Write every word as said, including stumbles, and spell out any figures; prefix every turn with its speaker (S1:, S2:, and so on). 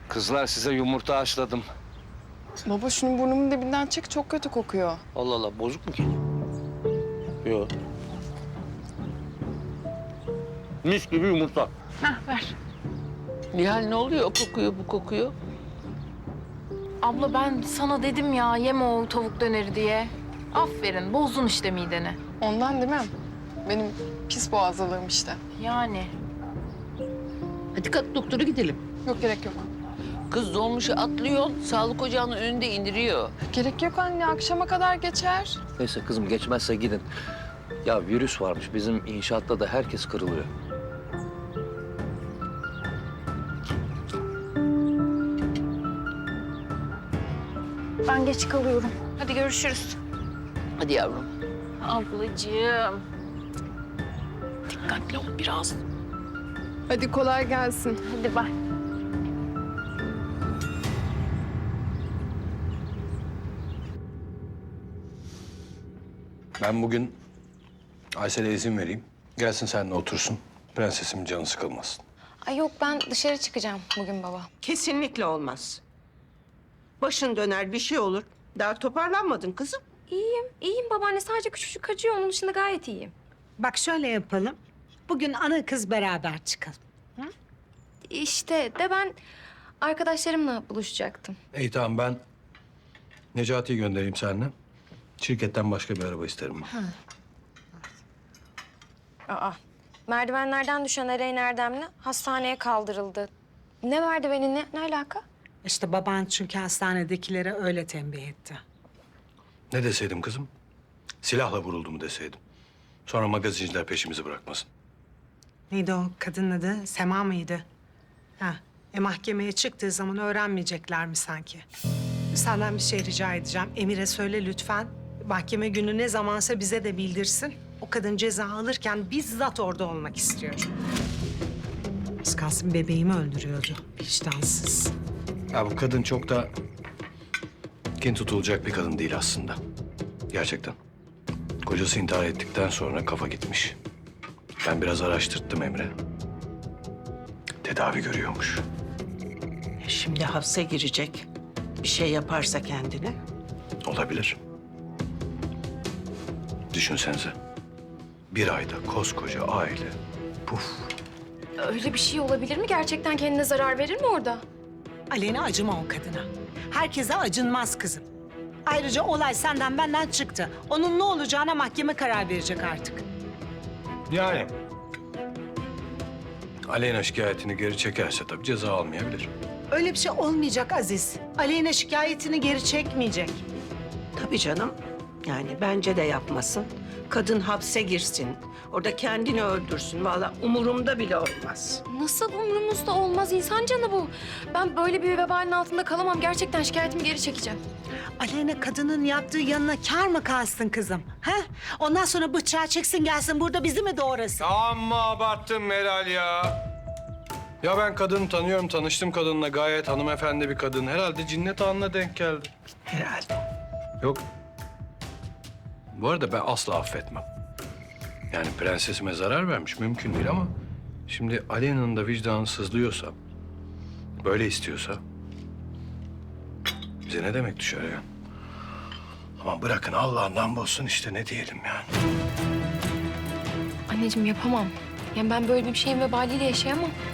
S1: Kızlar size yumurta haşladım.
S2: Baba şunu burnumun dibinden çek, çok kötü kokuyor.
S1: Allah Allah, bozuk mu ki? Yok. Mis gibi yumurta.
S3: Hah ver.
S4: Nihal ne oluyor? O kokuyor, bu kokuyor.
S3: Abla ben sana dedim ya yeme o tavuk döneri diye. Aferin bozdun işte mideni.
S2: Ondan değil mi? Benim pis boğazlılığım işte.
S3: Yani.
S4: Hadi kalk doktora gidelim.
S2: Yok, gerek yok.
S4: Kız dolmuşu atlıyor, sağlık ocağının önünde indiriyor.
S2: Gerek yok anne, akşama kadar geçer.
S1: Neyse kızım, geçmezse gidin. Ya virüs varmış, bizim inşaatta da herkes kırılıyor.
S3: Ben geç kalıyorum. Hadi görüşürüz.
S4: Hadi yavrum.
S3: Ablacığım. Dikkatli ol biraz.
S2: Hadi kolay gelsin.
S3: Hadi bay.
S5: Ben bugün Aysel'e izin vereyim. Gelsin seninle otursun. Prensesimin canı sıkılmasın.
S6: Ay yok, ben dışarı çıkacağım bugün baba.
S7: Kesinlikle olmaz. Başın döner, bir şey olur. Daha toparlanmadın kızım.
S6: İyiyim, iyiyim babaanne. Sadece küçücük acıyor. Onun dışında gayet iyiyim.
S8: Bak şöyle yapalım. Bugün ana kız beraber çıkalım.
S6: İşte de ben arkadaşlarımla buluşacaktım.
S5: İyi tamam, ben Necati'yi göndereyim seninle. Şirketten başka bir araba isterim ben.
S6: Aa, merdivenlerden düşen Ereğin Erdemli hastaneye kaldırıldı. Ne merdiveni, ne, ne alaka?
S8: İşte baban çünkü hastanedekilere öyle tembih etti.
S5: Ne deseydim kızım? Silahla vuruldu mu deseydim. Sonra magazinciler peşimizi bırakmasın.
S8: Neydi o kadının adı? Sema mıydı? Ha, e mahkemeye çıktığı zaman öğrenmeyecekler mi sanki? Senden bir şey rica edeceğim. Emir'e söyle lütfen. Mahkeme günü ne zamansa bize de bildirsin. O kadın ceza alırken bizzat orada olmak istiyorum. Az kalsın bebeğimi öldürüyordu. Vicdansız.
S5: Ya bu kadın çok da kin tutulacak bir kadın değil aslında. Gerçekten. Kocası intihar ettikten sonra kafa gitmiş. Ben biraz araştırttım Emre. Tedavi görüyormuş.
S7: Şimdi hapse girecek. Bir şey yaparsa kendine.
S5: Olabilir. Düşünsenize. Bir ayda koskoca aile. Puf.
S6: Öyle bir şey olabilir mi? Gerçekten kendine zarar verir mi orada?
S8: Aleyna acıma o kadına. Herkese acınmaz kızım. Ayrıca olay senden benden çıktı. Onun ne olacağına mahkeme karar verecek artık.
S5: Yani. Aleyna şikayetini geri çekerse tabii ceza almayabilir.
S8: Öyle bir şey olmayacak Aziz. Aleyna şikayetini geri çekmeyecek.
S7: Tabii canım. Yani bence de yapmasın. Kadın hapse girsin. Orada kendini öldürsün. Vallahi umurumda bile olmaz.
S6: Nasıl umurumuzda olmaz? İnsan canı bu. Ben böyle bir vebalin altında kalamam. Gerçekten şikayetimi geri çekeceğim.
S8: Aleyna kadının yaptığı yanına kâr mı kalsın kızım? Ha? Ondan sonra bıçağı çeksin gelsin burada bizi mi doğrasın?
S5: Amma abarttın Meral ya. Ya ben kadını tanıyorum, tanıştım kadınla. Gayet hanımefendi bir kadın. Herhalde cinnet anına denk geldi.
S7: Herhalde.
S5: Yok. Bu arada ben asla affetmem. Yani prensesime zarar vermiş mümkün değil ama... Şimdi Aleyna'nın da vicdanı sızlıyorsa... Böyle istiyorsa... Bize ne demek düşer ya? Ama bırakın Allah'ından bulsun işte, ne diyelim yani.
S6: Anneciğim yapamam. Yani ben böyle bir şeyin vebaliyle yaşayamam.